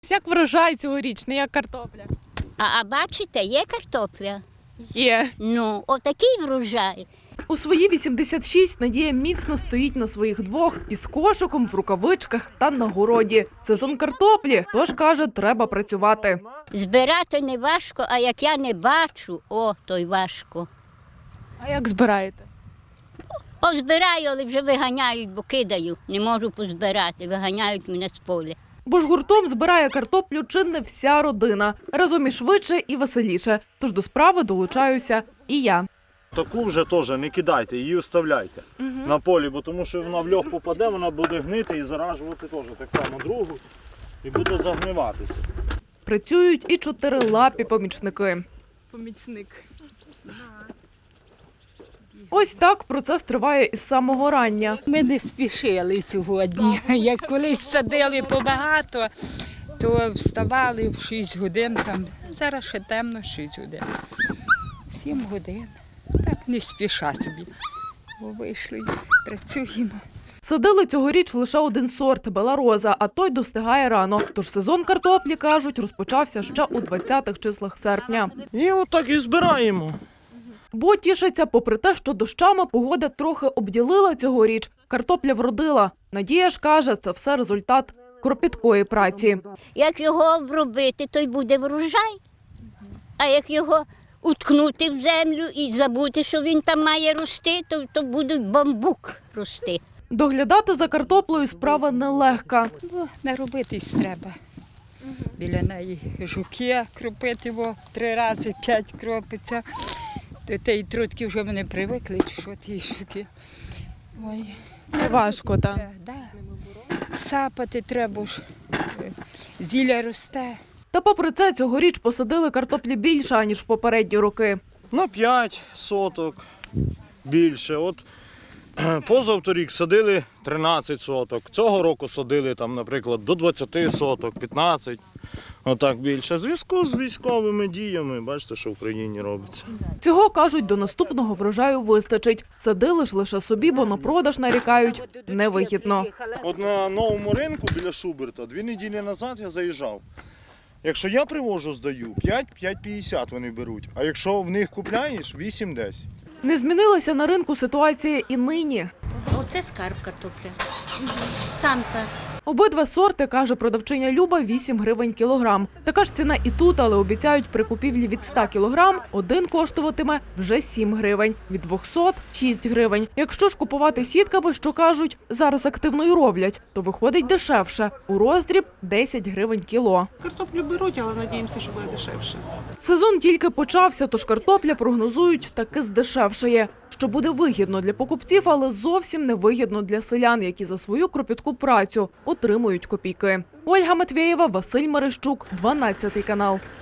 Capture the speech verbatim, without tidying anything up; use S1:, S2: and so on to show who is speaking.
S1: Як врожай цьогорічний, як картопля?
S2: А, а бачите, є картопля?
S1: Є.
S2: Ну, отакий врожай.
S1: У свої вісімдесят шість Надія міцно стоїть на своїх двох із кошиком, в рукавичках та на городі. Сезон картоплі, тож, каже, треба працювати.
S2: Збирати не важко, а як я не бачу, о, то й важко.
S1: А як збираєте?
S2: О, збираю, але вже виганяють, бо кидаю. Не можу позбирати, виганяють мене з поля.
S1: Бо ж гуртом збирає картоплю чи не вся родина. Разом і швидше, і веселіше. Тож до справи долучаюся і я.
S3: Таку вже теж не кидайте, її оставляйте угу. на полі, бо тому що вона в льох попаде, вона буде гнити і заражувати теж так само другу і буде загниватися.
S1: Працюють і чотирилапі помічники.
S4: Помічник.
S1: Ось так процес триває із самого рання.
S4: Ми не спішили сьогодні. Як колись садили побагато, то вставали в шість годин. Там. Зараз ще темно, шість годин. сім годин. Так не спіша собі. Бо вийшли, працюємо.
S1: Садили цьогоріч лише один сорт – белароза, а той достигає рано. Тож сезон картоплі, кажуть, розпочався ще у двадцятих числах серпня.
S3: І отак і збираємо.
S1: Бо тішаться, попри те, що дощами погода трохи обділила цьогоріч, картопля вродила. Надія ж каже, це все результат кропіткої праці.
S2: Як його обробити, то й буде врожай. А як його уткнути в землю і забути, що він там має рости, то, то буде бамбук рости.
S1: Доглядати за картоплею справа нелегка.
S4: Бо наробитись треба. Біля неї жуки кропити, бо три рази п'ять кропиться. До тієї трутки вже мене привикли, що ті жуки. Ой.
S1: Важко, так?
S4: Да, да. Сапати треба ж, зілля росте.
S1: Та попри це, цьогоріч посадили картоплі більше, аніж в попередні роки.
S3: На п'ять соток більше. От позавторік садили тринадцять соток. Цього року садили, там, наприклад, до двадцяти соток, п'ятнадцять. Отак більше. В зв'язку з військовими діями, бачите, що в країні робиться.
S1: Цього, кажуть, до наступного врожаю вистачить. Садили ж лише собі, бо на продаж нарікають невигідно.
S3: От на новому ринку біля Шуберта дві неділі назад я заїжджав. Якщо я привожу, здаю, п'ять - п'ять п'ятдесят вони беруть. А якщо в них купляєш, вісім - десять.
S1: Не змінилася на ринку ситуація і нині.
S5: Оце скарб картопля. Санта.
S1: Обидва сорти, каже продавчиня Люба, вісім гривень кілограм. Така ж ціна і тут, але обіцяють при купівлі від ста кілограм один коштуватиме вже сім гривень, від двохсот – шість гривень. Якщо ж купувати сітками, що кажуть, зараз активно й роблять, то виходить дешевше. У роздріб – десять гривень кіло.
S6: Картоплю беруть, але надіємося, що буде дешевше.
S1: Сезон тільки почався, тож картопля, прогнозують, таки здешевшає. Що буде вигідно для покупців, але зовсім не вигідно для селян, які за свою кропітку працю отримують копійки. Ольга Матвєєва, Василь Мерещук, дванадцятий канал.